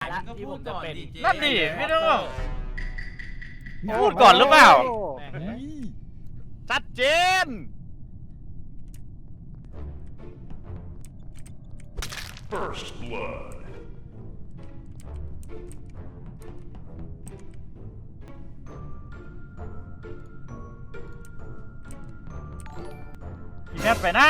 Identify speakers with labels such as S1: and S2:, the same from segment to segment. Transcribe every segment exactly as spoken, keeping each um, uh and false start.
S1: แล้วที่ผมจะเป็น
S2: นั่นดิพี่โน่พูดก่อนหรือเปล่าชัดเจน
S3: First blood.
S2: พี่แพทไปไหน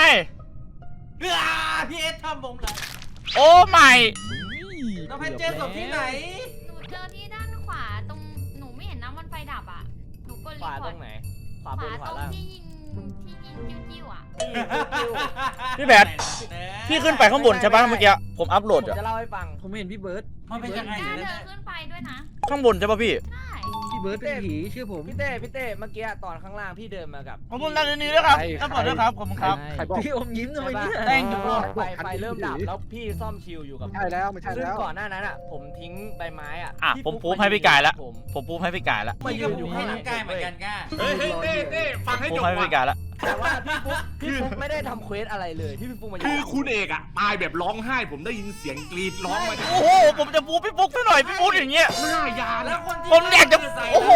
S1: พี่เอสทำผมเหรอ
S2: โอ้ไม่
S1: น้องแพทเจอศพที่ไหน
S4: หนูเจอที่ด้านขวาตรงหนูไม่เห็นน้ำมันไฟดับอ่ะหนูกดรี
S1: ขวา
S4: พ
S1: ต
S4: อ
S1: ร
S4: ร์ต
S1: งไหนขวา
S4: ข
S1: บ
S4: วาน
S1: ข
S4: ต
S1: วา
S4: รง
S1: ล่าง
S4: ที่ยิงที่ยิงจิ้วๆอ่ะ
S2: พี่แพทพี่ขึ้นไปข้างบนใช่ปะเมื่อกี้ผมอัพโหล
S1: ผ
S2: ด
S1: ม
S2: อะ
S1: จะเล่าให้ฟัง
S5: ผมเห็นพี่เบิร์ด
S1: มันเป็นยังไง
S4: กล้า
S1: เนี่ย
S4: เดินขึ้นไปด้วยนะ
S2: ข้างบนใช่ปะพี่
S4: ใช่
S5: พี่เบิร์ดเป็นผีชื่อผม
S1: พี่เต้พี่เต้เมื่อกี้ตอนข้างล่างพี่เดินมากับ
S2: ขอบคุณด้านนี้ด้วยครับขอบคุณด้วยครับขอบคุณครับ
S5: ใครบอกพี่อมยิ้มทำไมเนี่ย
S2: แต่งอยู่
S1: ไฟไฟเริ่มดับแล้วพี่ซ่อมชิลอยู่กับ
S6: ใช่แล้วไม่ใช่
S1: ซึ่ง
S6: แล้ว
S1: ก่อนหน้านั้นอ่ะผมทิ้งใบไม้อ่ะ
S2: อ่ะ
S1: พี่
S2: ผม
S1: ฟุ๊
S2: ปูให้พี่กายละ
S1: ผม
S2: ผมปูให้พี่กายละ
S1: มายืนอยู่ข้างหลังกายเหมือนกันก้า
S7: เฮ้ยเฮ้ยเต้เต้ฟังให้
S2: ปู
S7: จบ
S2: ให้
S7: ก่อ
S2: พี่
S7: น
S2: กายละ
S1: แต่ว่าพี่ฟุ๊กพี่ฟุ๊กไม่ได้ทำเควสอะไรเลยที่พี่ฟุ๊กมายืน
S7: คือคุณเอกอะตายแบบร้องไห้ผมได้ยินเสียงกรีดร้องมาจาก
S2: โอ้โหผมจะปูพี่ปุ๊กซะหน่อยพี่ปุ๊กอย่างเงี้ย
S7: หน้ายา
S1: แล้
S7: แล้ว ว
S1: คนที่
S2: ผมอยากจะโอ้โห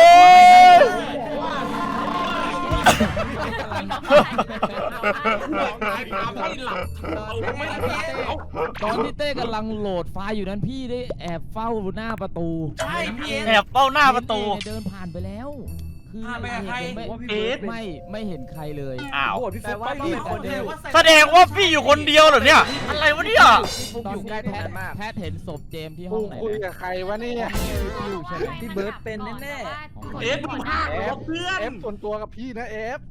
S7: ตายตามไม่หลับเอาไม่หลับเอา
S8: ตอนที่เต้กำลังโหลดไฟล์อยู่นั้นพี่ได้แอบเฝ้าหน้าประตู
S1: ใช่พี่เอส
S2: แอบเป้าหน้าประตู
S8: เดินผ่านไปแล้ว คือ
S1: ผ่านไปกับใคร
S8: ไม่
S5: เอ๊ะ
S8: ไม่ไม่เห็นใครเลย
S2: อ้าว
S6: โหวตพี่
S1: แต่
S6: ฟุ๊ก
S1: ว่า
S6: ไป
S1: ต้อง
S6: ดิ
S1: เป็นคนเดียวว่า
S2: แสดงว่าพี่อยู่คนเดียวเหรอเนี่ยอะไรวะเนี่ย
S1: พี่ฟุ๊ก
S8: ตอน
S1: อยู่
S8: ที่
S1: ใกล้ตรง
S8: แพท
S1: นั้นมาก
S8: แพทเห็นศพเจมส์ที่ห้
S6: กู
S8: องไหน
S6: คุย
S8: นะ
S6: กับใครวะเนี่ย
S5: พี่เบิร์ดเป็นแน่
S7: เอฟมึงพาหัวเพื่อน
S6: เอฟส่วนตัวกับพี่นะเอฟ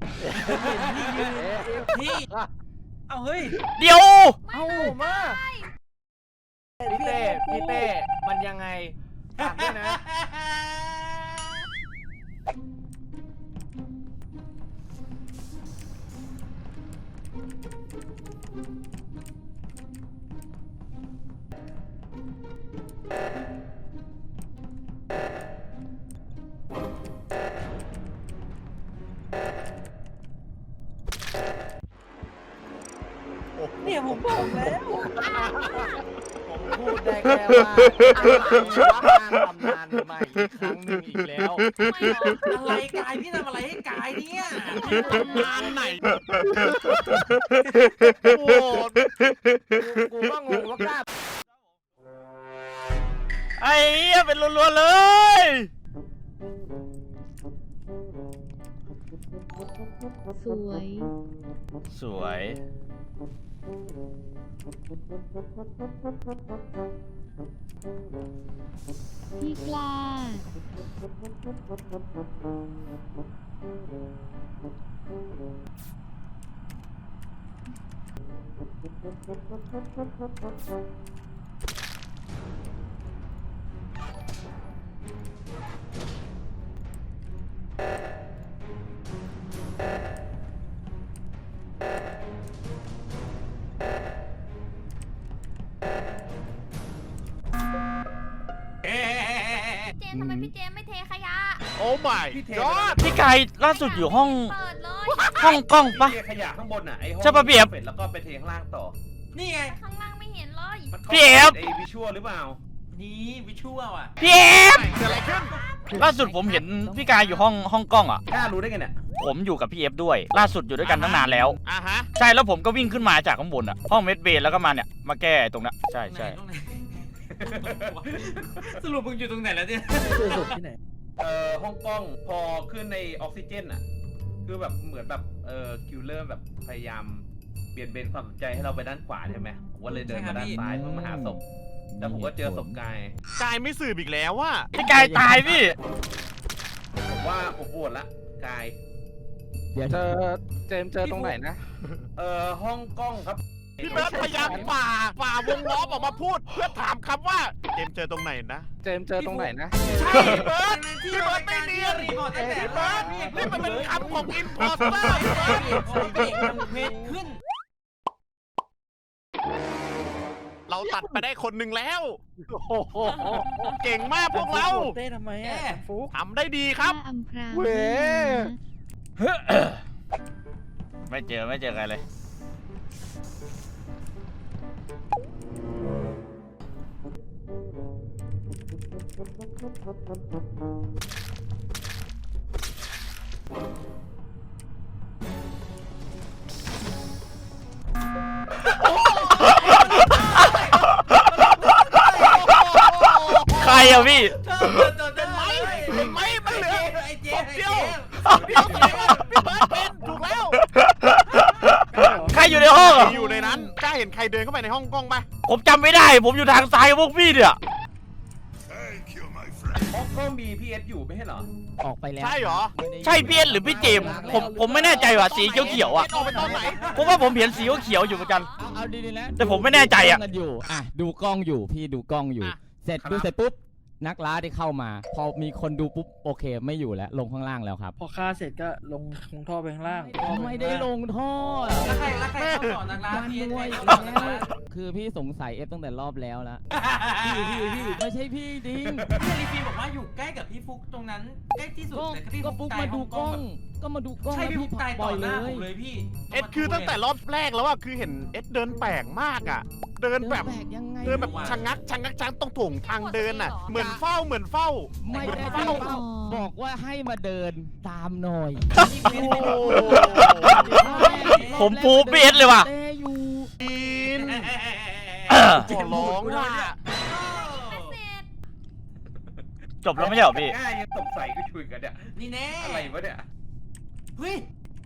S1: พี่
S5: เอาเฮ้ย
S2: เดี๋ยว
S1: เอ้ามาพี่เต้พี่เต้มันยังไงถามด้วยนะ
S5: เนี่ยผมบอกแล้ว
S1: ผมพูดได้แค่ว่าการทำงานใหม่อีกครั้งหนึ่งอีกแล้ว
S5: อะไรกายพี่ทำอะไรให้กายเนี่ย
S7: งานไหน
S2: โอ้
S1: กูก็งงว่ากล้า
S2: ไอ้เหี้ยเป็นรัวๆเลย
S9: สวย
S2: สวย
S9: พี่กล้า
S4: เจมส์ทำไมพี่เจมส์ไม่เทขยะ
S7: โอ้ my
S6: ยอด
S2: พี่กายล่าสุดอยู่ห้อง
S4: เปิดเลย
S2: ห้องกล้องปะ
S10: เทขยะข้างบนอ่ะไอ้ห้อง
S2: ใช่ปะพี่เอฟ
S10: เสร็จแล้วก็ไปเทข้างล่างต่อ
S1: นี่ไง
S4: ข้างล่างไม่เห็นเลย
S10: มัน
S2: พี่เอฟ
S10: ไอ้วิชวลหรือเปล่า
S1: นี่วิชวลอ่ะ
S2: พี่เอฟ
S7: เกิดอะไรขึ้น
S2: ล่าสุดผมเห็นพี่กายอยู่ห้องห้องกล้องอ่ะ
S10: กล้ารู้ได้ไงเนี่ย
S2: ผมอยู่กับพี่เอฟด้วย ล่าสุดอยู่ด้วยกันตั้งนานแล้ว
S7: อ่ะฮะ
S2: ใช่แล้วผมก็วิ่งขึ้นมาจากข้างบนอ่ะ ห้องเมดเบย์แล้วก็มาเนี่ย มาแก้ตรงนั้นใช่ใช่
S1: ตรงไหนสรุปมึงอยู่ตรงไหนแล้วเนี่ย
S5: เจอศพที่ไหน
S10: เอ่อห้องกล้องพอขึ้นในออกซิเจนอ่ะ คือแบบเหมือนแบบเอ่อคิวเลอร์แบบพยายามเปลี่ยนเบนความสนใจให้เราไปด้านขวาใช่ไหมผมก็เลยเดินมาด้านซ้ายเพื่อมาหาศพแล้วผมก็เจอศพกาย
S7: กายไม่สืบอีกแล้วว่า
S2: พี่กายตายพี่
S10: ผมว่าผมโหวตละกาย
S8: เดี๋ยว
S6: เจอเจมส์เจอตรงไหนนะ
S10: เอ่อห้องกล้องครับ
S7: พี่เบิร์ดพยายามฝ่าฝ่าวงล้อมออกมาพูด เพื่อถามคำว่า เจมส์เจอตรงไหนนะ
S6: เจมส์เจอตรงไหนนะ
S7: ใช่พี่เบิร์ด
S1: ที่
S7: พี่เบิร์ด
S1: ราย
S7: ไม่
S1: การ
S7: เนี
S1: ที่
S7: ยน
S1: รีพอร์ตตั้งแต่
S7: พี่
S1: แร
S7: เบิร์
S1: ก
S7: ด
S1: พี่
S7: นี่มันเป็นคำของอินพอร์เตอร์
S1: พี่เอกทำเพจขึ้น
S7: เราตัดไปได้คนหนึ่งแล้ว
S6: โอ้โห
S7: เก่งมากพวกเรา
S5: เต้ทำไมอ่ะฟุ๊ก
S7: ทำได้ดีครับ
S9: อำพราง
S6: เว้ย
S2: ไม่เจอไม่เจอใครเลย
S6: เ
S2: ใครอะพี่
S7: เป็นไหมเป็นไหมมันเหลือ
S5: ไอ้เจ
S7: ศ
S5: ม
S7: พ
S5: ส์
S7: เดียวศพเดียวพี่เบิร์ดเป็นถูกแล้ว
S2: ใครอยู่ในห้องอะ
S7: อยู่ในนั้นกล้าเห็นใครเดินเข้าไปในห้องกล้องปะ
S2: ผมจำไม่ได้ ผมอยู่ทางซ้ายกับพวกพี่เนี่ย
S3: Thank you, my friend.
S10: ห้องก็มีพีเอสอยู่ไม่ใช่เหรอ
S8: ออกไปแล้ว
S7: ใช่เหรอ
S2: ใช่พี่เอ็นหรือพี่เจมส์ผมผมไม่แน่ใจว่ะสีเขียวๆอ่ะ
S7: เอ็ดออกไปตอนไหน
S2: เพราะว่าผมเห็นสีเขียวๆอยู่เหมือนกัน
S8: เอาเอาดีๆนะ
S2: แต่ผมไม่แน่ใจอะ
S8: ดูกล้งกันอยู่อ่ะดูกล้องอยู่พี่ดูกล้องอยู่
S7: อ่ะ
S8: เสร็จ
S10: ครับ
S8: ดูเสร็จปุ๊บนักล่าที่เข้ามา พอมีคนดูปุ๊บโอเคไม่อยู่แล้วลงข้างล่างแล้วครับ
S5: พอฆ่าเสร็จก็ลงลงท่อไปข้างล่าง
S8: ไม่ได้ลงท่อ
S5: แล้วใครแล้วใครเข้าก่อนนักล่า
S8: มัน
S5: พี่
S8: มวย
S5: ใคร
S8: อีก
S5: เข้าก่อนนัก
S8: แล้
S5: ล่าว
S8: คือพี่สงสัยเอฟตั้งแต่รอบแล้วละ
S5: พี่พี่พี่
S8: ไม่ใช่พี่จริง
S5: พี่ลีฟีบอกว่าอยู่ใกล้กับพี่ฟุกตรงนั้นใกล้ที่สุด
S8: ก็
S5: แต่พี่
S8: ก็
S5: ฟุ
S8: ฟุ
S5: ก
S8: ก
S5: ตาย
S8: มาดูกล้อง ก็มาดูกล้อง
S5: ใช่พี่
S8: แล้ว
S5: ฟุกตาย
S8: ป
S5: ต่
S8: ล่
S5: อ
S8: อย
S5: ห
S8: เล
S5: น้าผ
S8: ย
S5: มเลยพี่
S7: เอ็ดคือตั้งแต่รอบแรกแล้วอะคือเห็นเอ็ดเดินแปลกมากอะเดินแบบ
S8: เดินแปลกยังไง
S7: เดินแบบชะงักชะงักชังต้องถ่วงทางเดินอะเหมือนเฝ้าเหมือนเฝ้า
S8: ไม่
S7: เหมือน
S8: ได้
S7: เฝ้า
S8: เฝ้าบอกว่าให้มาเดินตามหน่อย
S2: ผมปูพี่เอ็นเลยว่ะ
S8: เต้อยู่
S7: อิน
S2: เออ
S7: ขอร้องล่ะ
S4: เสร็จ
S2: จบแล้วไม่ใช่เหรอพี่
S10: กล้ายังสงสัยก็ชุยกันเนี่ย
S5: นี่แน่
S10: อะไรวะเนี่ย
S5: เฮ้ย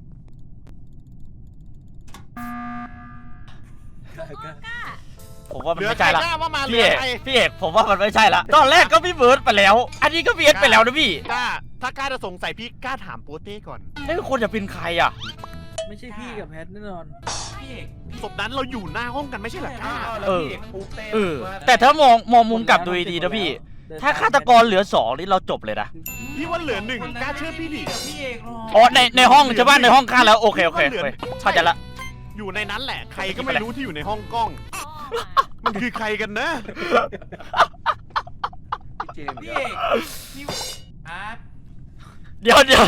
S2: ผมว่ามัน
S7: เหลือ
S2: ไม่
S7: ใคร
S2: ใช่ละ
S7: กล้าว่ามาเหลื
S2: พี่
S7: อ
S2: เอก
S7: ใคร
S2: พี่เอกผมว่ามันไม่ใช่ละ ตอนแรกก็พี่เบิร์ดไปแล้ว อันนี้ก็พี่เอ็นไปแล้วนะพี่
S7: กล้าถ้ากล้าจะสงสัยพี่กล้าถามโปเต้ก่อน
S2: เฮ้ยคนจะเป็นใครอ่ะ
S5: ไม่ใช่พี่กับแพทแน่นอนพี่เอก
S7: ศพนั้นเราอยู่หน้าห้องกันไม่ใช่เหรอกล้า
S10: แล้วพี่เอกปุ๊บเต้
S2: เออ
S10: ว่า
S2: แต่ถ้ามองมองมุมกลับดูดีๆนะพี่ ถ้าฆาตกรเหลือสองนี่เราจบเลยนะ
S7: พี่ว่าเหลือหนึ่งกล้าเชื่อพี่ดิ
S5: กับพี่เอกหรอ
S2: อ๋อในในห้องใช่ป่ะในห้องฆ่าแล้วโอเคโอเคโอเคเข้าใจละ
S7: อยู่ในนั้นแหละใครก็ไม่รู้ที่อยู่ในห้องกล้อง
S4: พ่อมา
S7: มันคือใครกันนะ
S10: พี่เจมส์
S5: พี่
S10: เดี๋ยว
S5: เอกพี่อาร์ต
S2: เดี๋ยวเดี๋ยว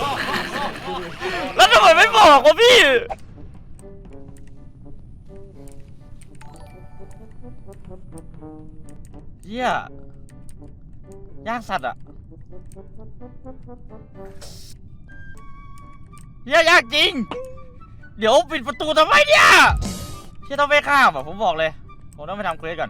S2: แล้วทำไมไม่บอกวะพี่ เหี้ยย่างสัตว์อะเหี้ยยากจริง เดี๋ยวปิดประตูทำไมเนี่ยเชี่ยต้องไปข้ามอ่ะผมบอกเลย ผมต้องไปทำเควสก่อน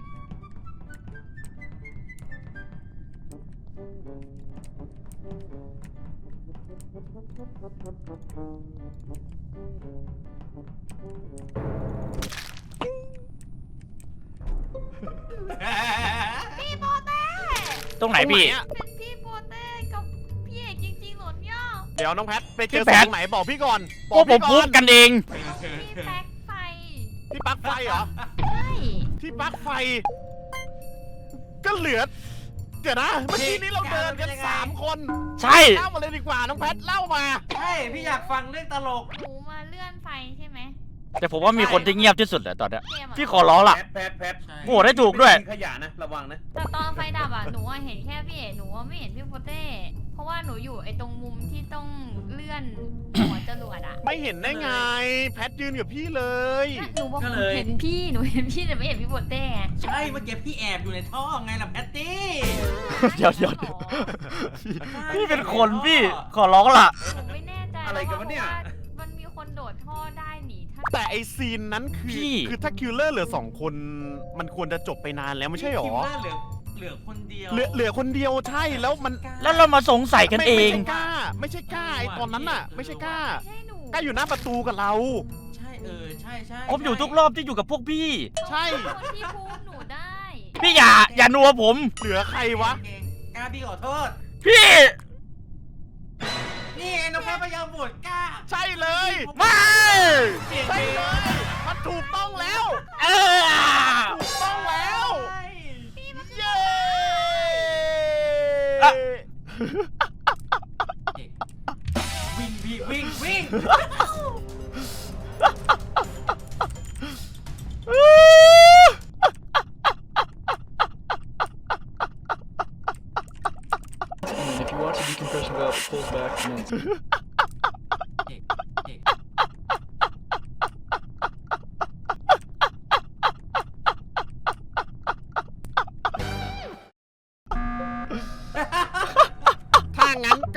S4: พี่โปเต้
S2: ตรงไหนพี่
S7: ตรงอะ
S4: เป็นพี่โปเต้กับพี่เอกจริงๆเหรอเนี่ย
S7: เดี๋ยวน้องแพทไปเจ
S2: พี่
S7: อ
S2: แพ
S7: ส
S2: ท
S7: องไหนบอกพี่ก่อนบ
S2: พว
S7: อก
S2: กผม
S7: พี่
S2: พู
S7: ก่อ
S2: ด
S7: น
S2: กันเอง
S4: พี่แป๊กไฟ
S7: ที่ปลั๊กไฟเหรอ
S4: ใช่
S7: ที่ปลั๊กไฟ ก็เหลือเดี๋ยวนะเมื่อกี้นี้เราเดินกันสามคน
S2: ใช่
S7: เล่ามาเลยดีกว่าน้องแพทเล่ามา
S5: ใช่พี่อยากฟังเรื่องตลก
S4: หนูมาเลื่อนไฟใช่ไหม
S2: แต่ผมว่ามีคนที่เงียบที่สุดแหละตอนเนี้ย
S4: เกมอะ
S2: พี่ขอร้อง
S10: แพ
S2: ล่ะ
S10: ทแพทแพท
S2: โหวตได้ถูกด้วย
S10: มีขยะนะระวังนะ
S4: แต่ตอนไฟดับอ่ะหนูอะเห็นแค่พี่เอกหนูอะไม่เห็นพี่โปเต้เพราะว่าหนูอยู่ไอ้ตรงมุมที่ต้องเลื่อนหัวจรวดอ่ะ
S7: ไม่เห็นได้ไง แพทยืนกับพี่เลย
S4: หนูบอก
S5: ก็
S4: ห
S5: เล
S4: นู
S5: ย
S4: เห็นพี่หนูเห็นพี่แต่ไม่เห็นพี่โปเต้ไง
S5: ใช่เมื่อกี้พี่แอบอยู่ในท่อไงล่ะแพตตี้
S2: เดี๋ยวเดี๋ยว
S4: อ๋อ
S2: พี่เป็นคนพี่ขอร้องล่ะ
S4: หนูไม่แน่ใจ
S10: อะไรกันวะเนี่ย
S4: พราะว่ามันมีคนโดดท่อได้หนีถ้า
S7: แต่ไอซีนนั้นคือ
S2: พี่
S7: คือถ้าคิลเลอร์เหลือสองคน มันควรจะจบไปนานแล้วไม่ใช่หรอ
S5: คิวเลอร์เหลือเหลือคนเดียว
S7: เหลือเหลือคนเดียวใช่แล้วมัน
S2: แล้วเรามาสงสัยกันเอง
S7: ไม่ใช่กล้า ไม่ใช่กล้าไอตอนนั้นน่ะ ไม่ใช่กล้า
S4: ไม่ใช่หนู
S7: กล้าอยู่หน้าประตูกับเรา
S5: ใช่เออใช่ใช่
S2: ผมอยู่ทุกรอบที่อยู่กับพวกพี่
S7: ใช่
S4: คนที่พูดหนูได้
S2: พี่อย่าอย่านัวผม
S7: เหลือใครวะ
S5: เก่งกล้าพี่ขอโทษ
S2: พี่
S5: นี่ไงน้องแพทพยายามโหวตกล้า
S7: ใช่เลย
S2: ไม่
S7: ใช่เลย มันถูกต้องแล้ว
S2: เออ
S7: ถูกต้องแล้ว
S5: ใช่
S7: เย้
S2: อ่ะ
S5: วิ่งพี่วิ่งวิ่ง
S6: If you watch the decompression valve, it pulls back and then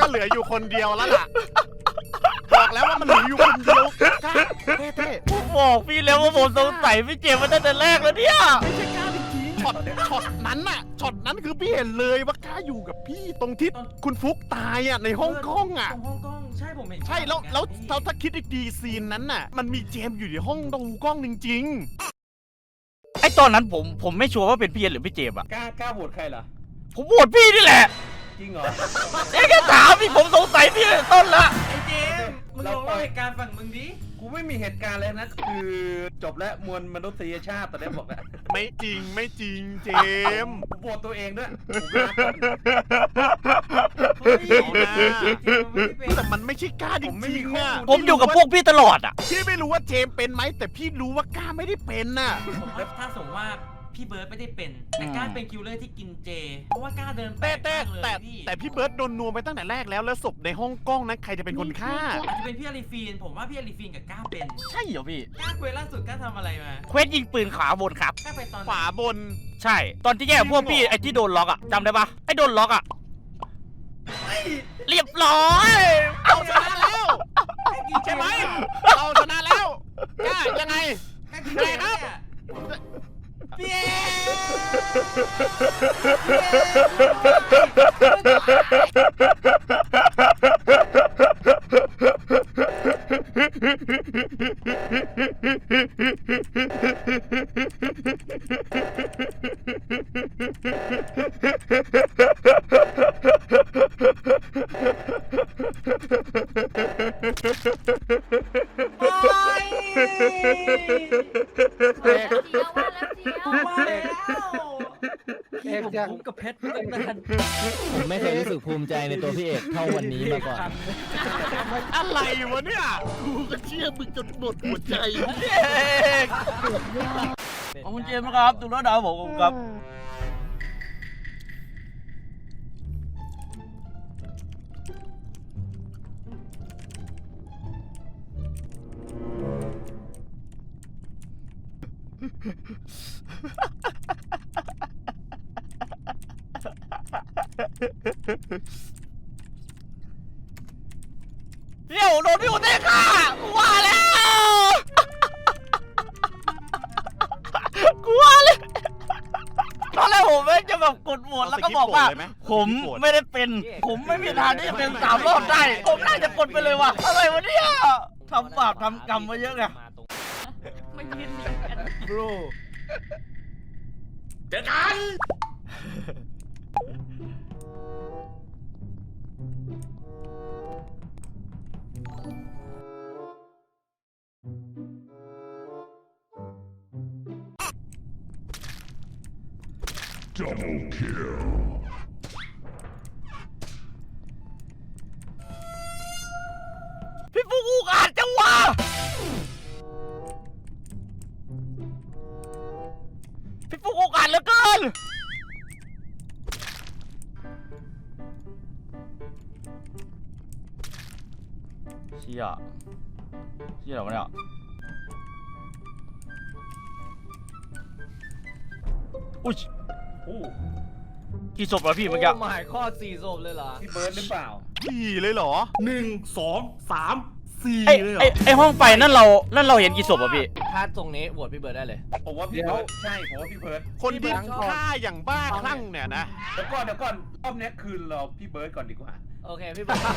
S7: เหลืออยู่คนเดียวแล้วล่ะบอกแล้วว่ามันเหลืออยู่คนเดียวกล้าเต้เต้
S2: ผมบอกพี่แล้วว่าผมสงสัยพี่เจมส์มาตั้งแต่แรกแล้วเนี่ย
S7: ไม่ใช่กล้าจริงๆช็อตช็อตนั้นน่ะช็อตนั้นคือพี่เห็นเลยว่ากล้าอยู่กับพี่ตรงที่คุณฟุกตายอ่ะในห้องกล้องอ่ะ
S5: ตรงห้องกล้องใช่ผมเห็น
S7: ใช่แล้วแล้วเราถ้าคิดอีกดีซีนนั้นน่ะมันมีเจมส์อยู่ในห้องดูกล้องจริง
S2: ไอ้ตอนนั้นผมผมไม่ชัวร์ว่าเป็นพี่เอ็นหรือพี่เจมส์อะ
S10: กล้ากล้าโหวตใครล่ะ
S2: ผมโหวตพี่นี่แหละ
S10: จริงเหรอ
S2: เอ๊ะแค่ถามพี่ผมสงสัยพี่ตั้งแต่ต้นละ
S5: ไอ้เจมส์มึงลองเล่าเหตุการณ์ฝั่งมึงดิ
S10: กูไม่มีเหตุการณ์เลยนะคือจบแล้วมวลมนุษยชาติตอนนี้บอกแล้ว
S7: ๆ ไม่จริงไม่จริงเจมส์
S10: ผมโหวตตัวเองด้วยผมลาก่อน
S5: เฮ้ย
S7: เอานะ
S5: เจมส์ไม่ได้เป็น
S7: แต่มันไม่ใช่กล้าจริงๆอ่ะ
S2: ผมอยู่กับพวกพี่ตลอดอะ
S7: พี่ไม่รู้ว่าเจมส์เป็นไหมแต่พี่รู้ว่ากล้าไม่ได้เป็นน่ะ
S5: ผมว่าถ้าสมมติว่าพี่เบิร์ดไม่ได้เป็นแต่กล้าเป็นคิวเลอร์ที่กินเจ เพราะว่ากล้าเดินแปล
S7: แต่
S5: ก
S7: แต่
S5: มากเลย
S7: แต่
S5: พี่
S7: แต่พี่เบิร์ดโดนนัวไปตั้งแต่แรกแล้วแล้วศพในห้องกล้องนั้นใครจะเป็นคนฆ่า
S5: อาจจะเป็นพี่อารีฟีน ผมว่าพี่อารีฟีนกับกล้าเป็น
S2: ใช่เหรอพี่
S5: กล้าเควสล่าสุดกล้าทำอะไรมา
S2: เควสยิงปืนขวาบนครับ
S5: กล้าไปตอนไหน
S7: ขวาบน
S2: ใช่ ตอนที่แยกกับพวกพี่ไอ้ที่โดนล็อกอะจำได้ปะไอ้โดนล็อกอะเรียบร้อย
S7: เอาชนะแล้ว ใช่ไหมเราชนะแล้วกล้ายังไง
S5: กล้ากินเจ
S7: ได้ครับ
S5: เนี่ย
S4: เอกจังกับเพชรตั้งนาน
S8: ผมไม่เคยรู้สึกภูมิใจในตัวพี่เอกเท่าวันนี้มาก่อน
S7: อะไรวะเนี่ยกูก็เชื่อมึงจนหมดหัวใจ
S2: ขอบคุณเจมส์นะครับดูแล้วดาวผมครับ เดี๋ยวโดนพี่โอเต้ค่ะว่าแล้วกลัวเลยตอนแรกผมไม่จะแบบกดโหวตแล้วก็บอกว่า ผมไม่ได้เป็น ผมไม่มีทางที่จะเป็นสามรอบได้ ผมน่าจะกดไปเลยว่ะอะไรวะเนี่ยทำบาปทำกรรมมาเยอะไง
S4: ไม่ยืนหนีกัน
S2: bro
S7: เจอกัน
S3: Double kill.
S2: พี่ฟุกอุกอาจจังวะพี่ฟุกอุกอาจเหลือเกินเชี่ยเชี่ยอะไรวะเนี่ยอุ้ย
S10: โอ้
S2: กี่ศพวะพี่เมื่อกี้
S1: หมายข้อสี่ศพเลยเหรอ
S10: พี่เบิร์ดหรือเปล่า
S7: สี่เลยเหรอ
S3: หนึ่งสองสามสี่
S2: ไอ
S3: เลยเหร
S2: ไอ
S3: อ
S2: ไอห้องไฟนั่นเรานั่นเราเห็นกี่ศพอะพี่
S1: ถ้าตรงนี้โหวตพี่เบิร์ดได้เลย
S10: ผมว่าพี่เบิร์ดใช่ผมว่าพี่เบิร์ด
S7: คนที่
S1: พี่เบิร์ด
S7: ฆ่าอย่างบ้าคลั่งเนี่ยนะ
S10: เดี๋ยวก่อนเดี๋ยวก่อนรอบเนี้ยคืนเราพี่เบิร์ดก่อนดีกว่า
S1: โอเคพี่เบิร์ด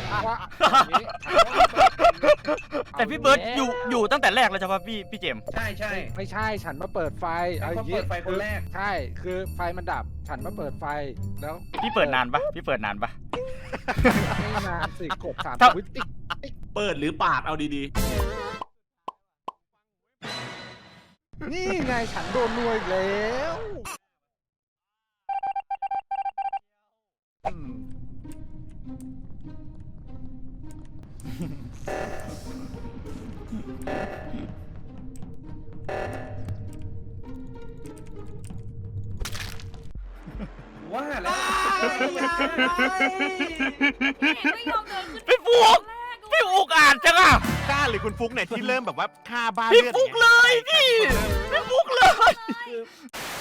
S2: แต่พี่เบิร์ดอยู่อยู่ตั้งแต่แรกแล้วใช่ปะพี่พี่เจมส์
S10: ใช่ใช่
S11: ไม่ใช่ฉันมาเปิดไฟ
S10: เขา
S11: อย่าง
S10: เปิดไฟคนแรก
S11: ใช่ คือไฟมันดับ ฉันมาเปิดไฟ แล้ว
S2: พี่เปิดนานปะพี่เปิดนานปะ
S11: ไม่นานสิกดสาม
S2: ถ้า
S11: วิติ๊ก
S3: เปิดหรือปาดเอาดี
S11: นี่ไงฉันโดนนวยอีกแล้ว
S10: ว่าแล้ว
S4: ไม่ยอมเดินขึ้น
S2: พี่ฟุกพี่อุกอาจจังอะ
S7: กล้าหรือคุณฟุกเนี่ยที่เริ่มแบบว่าฆ่าบ้า
S2: พี่
S7: เลือด
S2: ฟุกเลยพี่พี่ฟุกเลย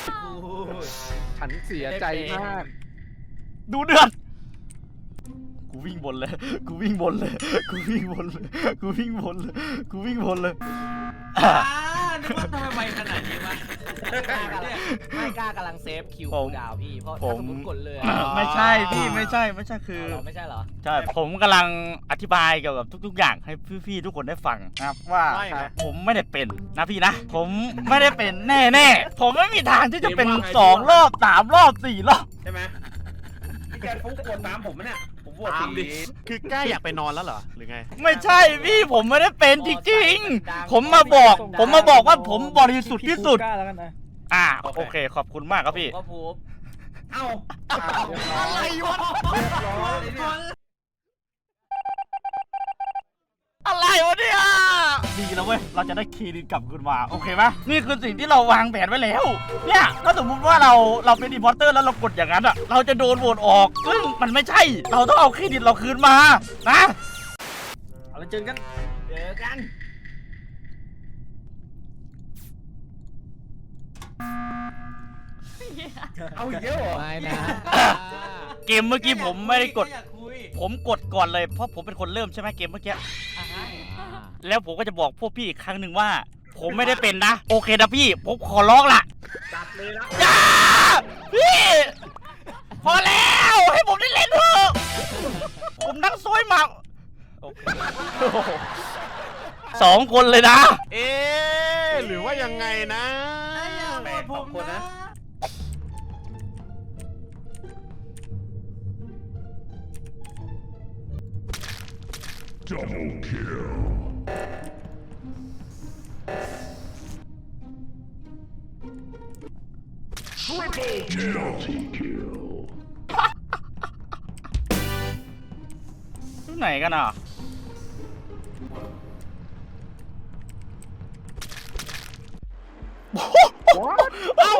S11: ฉันเสียใจมาก
S2: ดูเดือด
S1: กู
S2: กูวิ่งบนเลยกูวิ่งบนเลยกูวิ่งบนเลยกูวิ่งบนเลยกูวิ่งบนเลย
S5: อ่านึกว่าทำไมไวขนาดนี้วะ
S1: ไม่กล้ากำลังไม่กล้ากำลังเซฟคิวคูลดาวน์พี่เพราะถ้าสมมติกดเลยอะ
S2: ไม่ใช่พี่ไม่ใช่ไม่ใช่คือ
S1: เราไม่ใช่เหรอ
S2: ใช่ ผมกำลังอธิบายเกี่ยวกับทุกๆ อย่างให้พี่ๆทุกคนได้ฟังนะครับว่า
S7: ไม่ครับ
S2: ผมไม่ได้เป็นนะพี่นะ ผมไม่ได้เป็นแน่ๆผมไม่มีทางที่จะเป็นสองรอบสามรอบสี่รอบ
S10: ใช่ไหมพี่แกฟุกโหวตตามผมไหมเนี่ยผมโหวต
S7: ตามดิ
S10: สี
S7: คือกล้าอยากไปนอนแล้วเหรอ หรือไง
S2: ไม่ใช่พี่ผมไม่ได้เป็นจริงๆ ผมมาบอก ผมมาบอกว่าผมบริสุทธิ์ที่สุด
S8: กล้าแล้วกันนะ
S2: อ่าโอเคขอบคุณมากครับพี่
S1: ก็พูบ
S10: เอ้า
S7: อะไรวะ
S2: อะไรวะเนี่ยดีแล้วเว้ยเราจะได้เครดิตกลับคืนมาโอเคไหมนี่คือสิ่งที่เราวางแผนไว้แล้วเนี่ยถ้าสมมติว่าเราเราเป็นอินพอร์เตอร์แล้วเรากดอย่างนั้นอ่ะเราจะโดนโหวตออกซึ่งมันไม่ใช่เราต้องเอาเครดิตเราคืนมานะเอาละเจอกัน
S1: เจอกัน
S10: เอาอีกแล้วเหรอ
S8: ไม่นะ
S2: เกมเมื่อกี้ผมไม่ได้กด
S5: อยากคุย
S2: ผมกดก่อนเลยเพราะผมเป็นคนเริ่มใช่ไหมเกมเมื่อกี้แล้วผมก็จะบอกพวกพี่อีกครั้งหนึ่งว่า ผมไม่ได้เป็นนะโอเคนะพี่ผมขอร้องล่ะ
S10: ตัดเลยละ
S2: อย่าพี่พอแล้วให้ผมได้เล่นเถอะผมนั่งซวยหมาโอเคสองคนเลยนะ
S7: เอ๊ะหรือว่ายังไงนะ
S10: แปดสองคนนะ
S2: ที่ไหนกันอ่ะเอ้า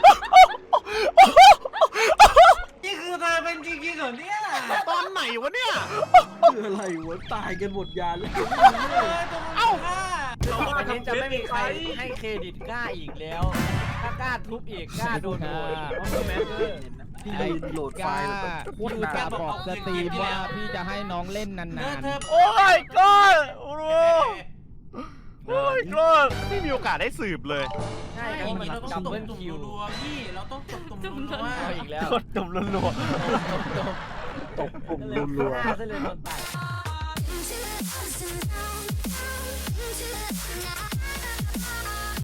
S5: นี่คือเธอเป็นจริงๆเหรอเนี่ย
S7: ตอนไหนวะเนี่ย
S8: คืออะไรวะตายกันหมดยาเลย
S5: เอ้า
S1: วันนี้จะไม่มีใครให้เครดิตกล้าอีกแล้ว ถ้ากล้าทุบอีกกล้าโดนโหวตเพราะพี่แม็กเกอร์
S8: พี่ได้โหลดไฟล์พี่อุตส่าห์บอกสตรีมว่าพี่จะให้น้องเล่นนาน
S5: เธอ
S2: โอ้ยก้อนโอ้โหโอ้ยก้อน
S7: ไม่มีโอกาสได้สืบเลย
S1: ใช่
S5: อ
S1: ครับ
S5: ย่าง
S1: มัน
S5: นี้เราต้อง
S1: ดับ
S5: ตบ
S1: เบิล
S5: ตุ่ม
S1: คิว
S5: รัวๆพี่ เราต้องตบตุ่มรัว
S1: เอาอีกแล้ว
S2: กดตุ่มรัว
S11: ตกกลุ่ม
S1: ก็เลย
S11: รัว
S1: ฆ่าซะเลยโดนตัด